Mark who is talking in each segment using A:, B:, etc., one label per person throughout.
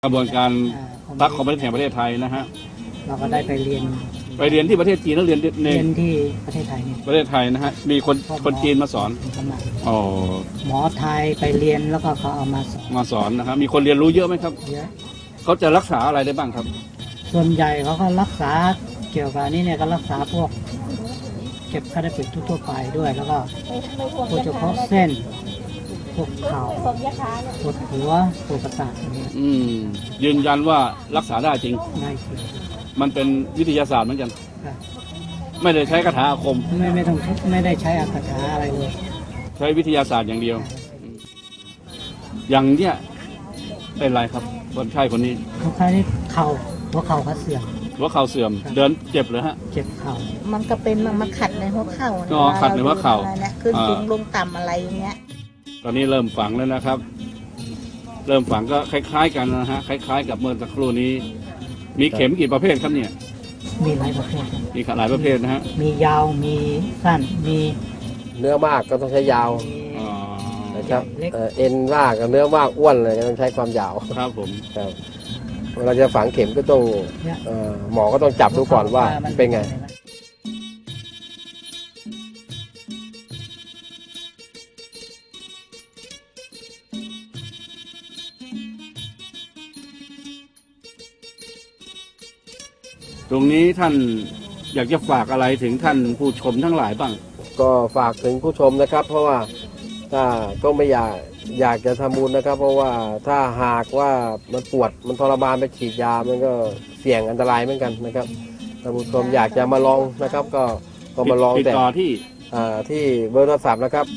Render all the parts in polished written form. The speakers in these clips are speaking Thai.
A: กระบวนการตักของประเทศแห่งประเทศไทยนะฮะ
B: เราก็ได้ไปเรียน
A: ที่ประเทศจีนแล้วเรียน
B: ที่ประเทศไทยนี่
A: ประเทศไทยนะฮะมีคนจีนมาสอนอ๋อ
B: หมอไทยไปเรียนแล้วก็เขาเอามา
A: สอนนะครับมีคนเรียนรู้เยอะไหมครับ
B: เยอะ
A: เขาจะรักษาอะไรได้บ้างครับ
B: ส่วนใหญ่เขาก็รักษาเกี่ยวกับนี่เนี่ยก็รักษาพวกเก็บไข้ได้ป่วยทั่วไปด้วยแล้วก็โดยเฉพาะเส้นพวกเข่าปวดหัวปวดประสาทอย่างนี้
A: ยืนยันว่ารักษาได้จริง
B: ได้จริง
A: มันเป็นวิทยาศาสตร์เหมือนกันไม่ได้ใช้คาถาอาคม
B: ไม่ได้ใช้คาถาอะไรเลย
A: ใช้วิทยาศาสตร์อย่างเดียวอย่างเนี้ยเป็นไรครับคนไข้คนนี้
B: เขาคล้ายหัวเข่าเขาเสื่อม
A: หัวเข่าเสื่อมเดินเจ็บเลยฮะ
B: เจ็บเข่า
C: มันก็เป็นมันขัดในหัวเข่า
A: ขัดในหัวเข่า
C: ขึ้นสูงลงต่ำอะไรอย่างเงี้ย
A: ตอนนี้เริ่มฝังแล้วนะครับเริ่มฝังก็คล้ายๆกันนะฮะคล้ายๆกับเมื่อสักครู่นี้มีเข็มกี่ประเภทครับเนี่ย
B: มีหลายประเภท
A: มีหลายประเภทนะฮะ
B: มียาวมีสั้นมี
D: เนื้อมากก็ต้องใช้ยาวนะครับเอ็นมากกับเนื้อมากอ้วนเลยก็ต้องใช้ความยาว
A: ครับผม
D: ครับเราจะฝังเข็มก็ต้องหมอก็ต้องจับดูก่อนว่าเป็นไง
A: ตรงนี้ท่านอยากจะฝากอะไรถึงท่านผู้ชมทั้งหลายบ้าง
D: ก็ฝากถึงผู้ชมนะครับเพราะว่าถ้าก็ไม่อยากจะทำบุญนะครับเพราะว่าถ้าหากว่ามันปวดมันทรมานไปฉีดยามันก็เสี่ยงอันตรายเหมือนกันนะครับท่านผู้ชมอยากจะมาลองนะครับก็มาลอง
A: แต่
D: ที่เบอร์โทรศัพท์นะครับ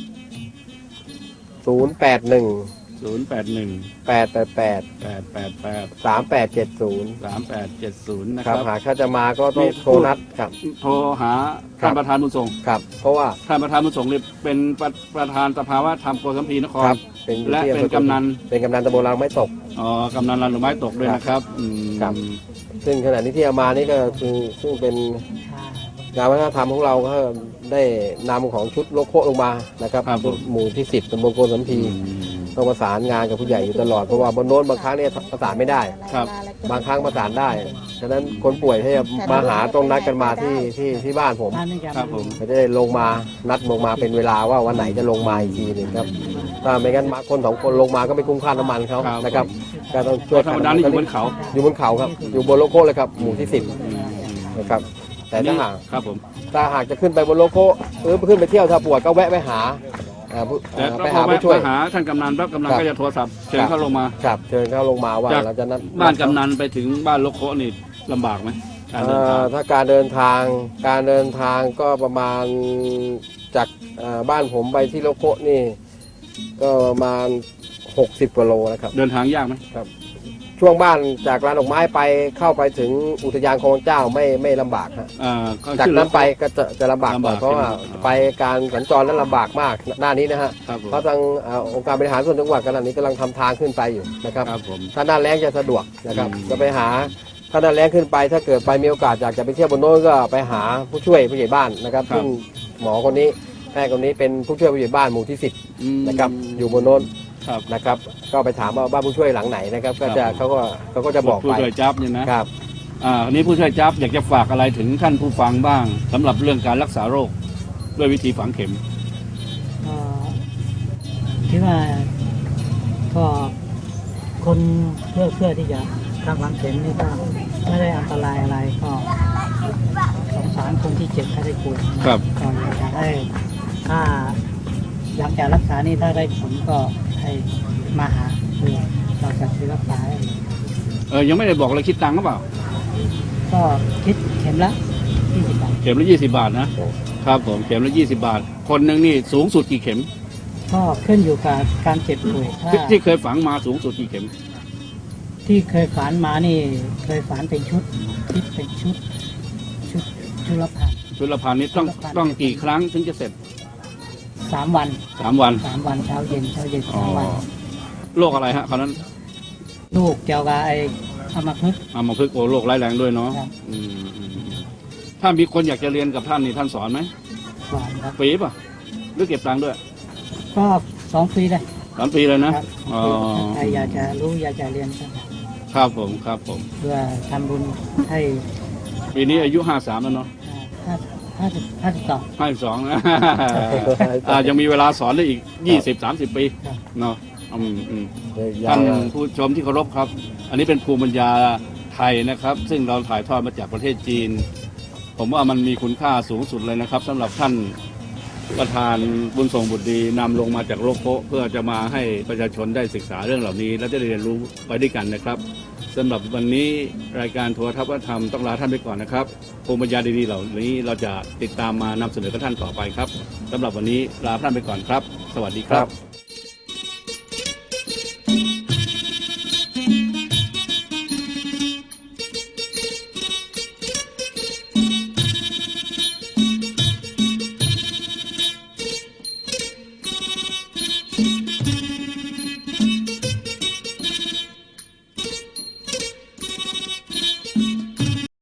A: 081
D: นะครับหากถ้าจะมาก็ต้องโทรนัดครับ
A: โทรหาท่านประธานบุญส่ง
D: ครับเพราะว่า
A: ท่านประธานบุญส่งนี่เป็นประธานสภาวะธรรมโกสัมพีนครและเป็นกำนัน
D: ตำบลรางไม้ตก
A: กำนันรางไม้ตกด้วยนะครับ
D: ครับซึ่งขณะนี้ที่เอามานี่ก็คือซึ่งเป็นงานวัฒนธรรมของเราก็ได้นำของชุดโลโก้ลงมานะครับหมู่ที่10ตำบลโกสัมพีต้องประสานงานกับผู้ใหญ่อยู่ตลอดเพราะว่าบนโน้นบางครั้งเนี่ยประสานไม่ได้บางครั้งประสานได้ฉะนั้นคนป่วยที่จะมาหาต้องนัดกันมาที่บ้านผมจะได้ลงมานัดลงมาเป็นเวลาว่าวันไหนจะลงมาอีกทีหนึ่งครับถ้าไม่งั้นมาคน2 คนลงมาก็ไม่คุ้มค่าน้ำมันเขานะครับก็ต้องช่วย
A: ธรรมดานี่อยู่บนเขา
D: ครับอยู่บนโลโก้เลยครับหมู่ที่10นะครับแต่ถ้าหาก
A: ครับผม
D: ถ้าหากจะขึ้นไปบนโลโก้ขึ้นไปเที่ยวถ้าปวดก็แวะไปหาผู้ช่วย
A: หาท่านกำนันปั๊บกำนันก็จะโทรศัพท์เชิญเข้าลงมา
D: ครับเชิญเข้าลงมาว่าเราจะนัด
A: บ้านกำนันไปถึงบ้านโลโก้นี่ลำบากไหม
D: ถ้าการเดินทางก็ประมาณจากบ้านผมไปที่โลโก้นี่ก็ประมาณ60 กว่าโลนะครับ
A: เดินทางยากไหม
D: ครับช่วงบ้านจากร้านดอกไม้ไปเข้าไปถึงอุทยานคลองเจ้าไม่ลำบากฮะจากนั้นไปก็จะลำบากกว่าเพราะว่าไปการสัญจรนั้นลำบากมากหน้านี้นะฮะเพราะทางองค์การบริหารส่วนจังหวัดขณะนี้กำลังทำทางขึ้นไปอยู่นะครับถ้าหน้าแล้งจะสะดวกนะครับจะไปหาถ้าหน้าแล้งขึ้นไปถ้าเกิดไปมีโอกาสอยากจะไปเที่ยวบนโน้นก็ไปหาผู้ช่วยผู้ใหญ่บ้านนะครับซึ่งหมอคนนี้แพทย์คนนี้เป็นผู้ช่วยผู้ใหญ่บ้านหมู่ที่10นะครับอยู่บนโน้นนะครับก็ไปถามว่าบ้านผู้ช่วยหลังไหนนะครับก็จะเขาก็จะบอกไป
A: ผู้ช่วยจับเนี่ยนะครับอันนี้ผู้ช่วยจับอยากจะฝากอะไรถึงท่านผู้ฟังบ้างสำหรับเรื่องการรักษาโรคด้วยวิธีฝังเข็ม
B: คิดว่าก็คนเพื่อที่จะทำฝังเข็มนี่ก็ไม่ได้อันตรายอะไรก็สงสารคนที่เจ็บไข้ได้ป่วย
A: ครับ
B: ก็อยากจะให้ถ้าหลังจากรักษานี่ถ้าได้ผลก็ให้มาหาเราจะซื้อรักษา
A: ยังไม่ได้บอกเลยคิดตังค์หรือเปล่า
B: ก็คิดเข็มละ20 บาท
A: เข็มละ20 บาทนะครับผมเข็มละ20 บาทคนหนึ่งนี่สูงสุดกี่เข็ม
B: ก็ขึ้นอยู่กับการเจ็บป่วย
A: ที่เคยฝังมาสูงสุดกี่เข็ม
B: ที่เคยฝังมานี่เคยฝังเป็นชุดที่เป็นชุดละพัน
A: นี่ต้องกี่ครั้งถึงจะเสร็จ
B: 3 วัน
A: เ
B: ช้าเย็น3 วัน
A: โรคอะไรฮะคราวนั้น
B: ลูกเกี่ยวกับอัมพฤกษ์
A: โรคร้ายแรงด้วยเนาะถ้ามีคนอยากจะเรียนกับท่านนี่ท่านสอนไหม
B: สอนครับ
A: ฟรีป่ะหรือเก็บตังค์ด้วย
B: ก็2 ฟรีเลย
A: 3 ปีเลยนะ
B: ใครอยากจะรู้อยากจะเรียน
A: ครับผมครับผม
B: เพื่อทำบุญให้
A: ปีนี้อายุ53แล้วเนาะ
B: 52
A: 52นะ ยังมีเวลาสอนได้อีก 20-30 ปี
B: ครับ
A: เนาะท่านผู้ชมที่เคารพครับ อันนี้เป็นภูมิปัญญาไทยนะครับ ซึ่งเราถ่ายทอดมาจากประเทศจีน ผมว่ามันมีคุณค่าสูงสุดเลยนะครับสำหรับท่านประธานบุญส่งบุตรดีนำลงมาจากโลกโพเพื่อจะมาให้ประชาชนได้ศึกษาเรื่องเหล่านี้ และจะได้เรียนรู้ไปด้วยกันนะครับสำหรับวันนี้รายการโทรทัศน์วัฒนธรรมต้องลาท่านไปก่อนนะครับภูมิปัญญาดีๆเหล่านี้เราจะติดตามมานำเสนอกับท่านต่อไปครับสำหรับวันนี้ลาท่านไปก่อนครับ สวัสดีครับ